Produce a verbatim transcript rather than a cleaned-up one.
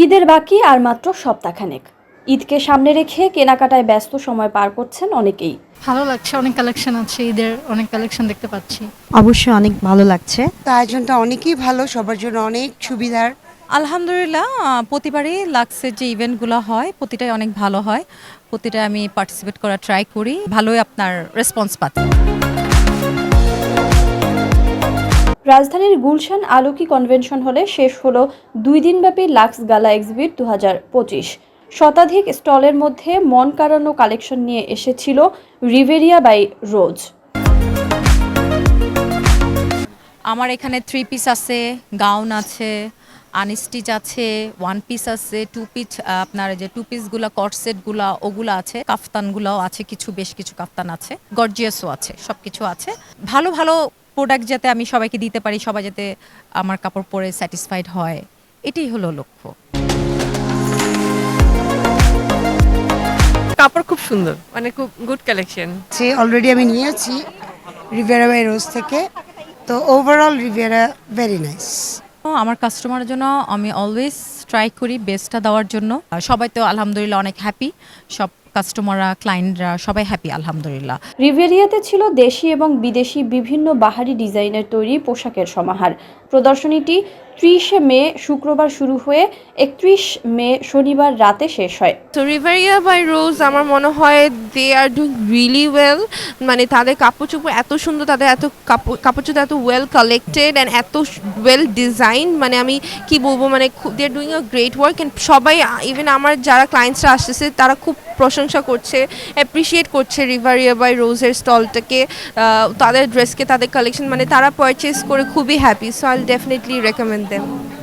ঈদের বাকি আর মাত্র সপ্তাহখানেক। ঈদকে সামনে রেখে কেনাকাটায় ব্যস্ত সময় পার করছেন অনেকেই। ভালো লাগছে, অনেক কালেকশন আছে, ঈদের অনেক কালেকশন দেখতে পাচ্ছি। অবশ্যই অনেক ভালো লাগছে। তো আয়োজনটা অনেকই ভালো, সবার জন্য অনেক সুবিধার। আলহামদুলিল্লাহ, আহ, প্রতিবারই লাক্সের যে ইভেন্টগুলো হয় প্রতিটাই অনেক ভালো হয়। প্রতিটা আমি পার্টিসিপেট করার ট্রাই করি, ভালোই আপনার রেসপন্স পাচ্ছি। রাজধানীর গুলশান আলোকি কনভেনশন হলে শেষ হলো দুই দিনব্যাপী লাক্স গালা এক্সিবিট দু হাজার পঁচিশ। শতাধিক স্টলের মধ্যে মন কাড়ানো কালেকশন নিয়ে এসেছিল রিভেরিয়া বাই রোজ। আমার এখানে থ্রি পিস আছে, গাউন আছে, আনস্টিচ আছে, ওয়ান পিস আছে, টু পিস, আপনার যে টু পিসগুলো কটসেটগুলো ওগুলো আছে, কাফতানগুলোও আছে, কিছু বেশ কিছু কাফতান আছে, গর্জিয়াসও আছে, সব কিছু আছে। ভালো ভালো প্রোডাক্ট যাতে আমি সবাইকে দিতে পারি, সবাই যাতে আমার কাপড় পরে স্যাটিসফাইড হয়, এটাই হলো লক্ষ্য। কাপড় খুব সুন্দর, মানে খুব গুড কালেকশন। সে অলরেডি আমি নিয়েছি রিভেরা বাই রোজ থেকে, তো ওভারঅল রিভেরা ভেরি নাইস। আমার কাস্টমারের জন্য আমি অলওয়েজ ট্রাই করি বেস্টটা দেওয়ার জন্য। আর সবাই তো আলহামদুলিল্লাহ অনেক হ্যাপি, সব কাস্টমাররা ক্লায়েন্টরা সবাই হ্যাপি আলহামদুলিল্লাহ। রিভেরিয়াতে ছিল দেশি এবং বিদেশি বিভিন্ন বাহারি ডিজাইনের তৈরি পোশাকের সমাহার। প্রদর্শনীটি ত্রিশে মে শুক্রবার শুরু হয়ে একত্রিশ মে শনিবার রাতে শেষ হয়। তো রিভারিয়া বাই রোজ আমার মনে হয় they are doing really well. মানে তাদের কাপড় চোপড় এত সুন্দর, তাদের এত কাপড় কাপড় চোপড় এত ওয়েল কালেক্টেড অ্যান্ড এত ওয়েল ডিজাইন, মানে আমি কি বলবো, মানে they are doing a great work. And সবাই, ইভেন আমার যারা ক্লায়েন্টসরা আসতেছে তারা খুব প্রশংসা করছে, অ্যাপ্রিসিয়েট করছে রিভারিয়া বাই রোজের স্টলটাকে, তাদের ড্রেসকে, তাদের কালেকশন, মানে তারা পারচেস করে খুবই happy. So I will definitely recommend them.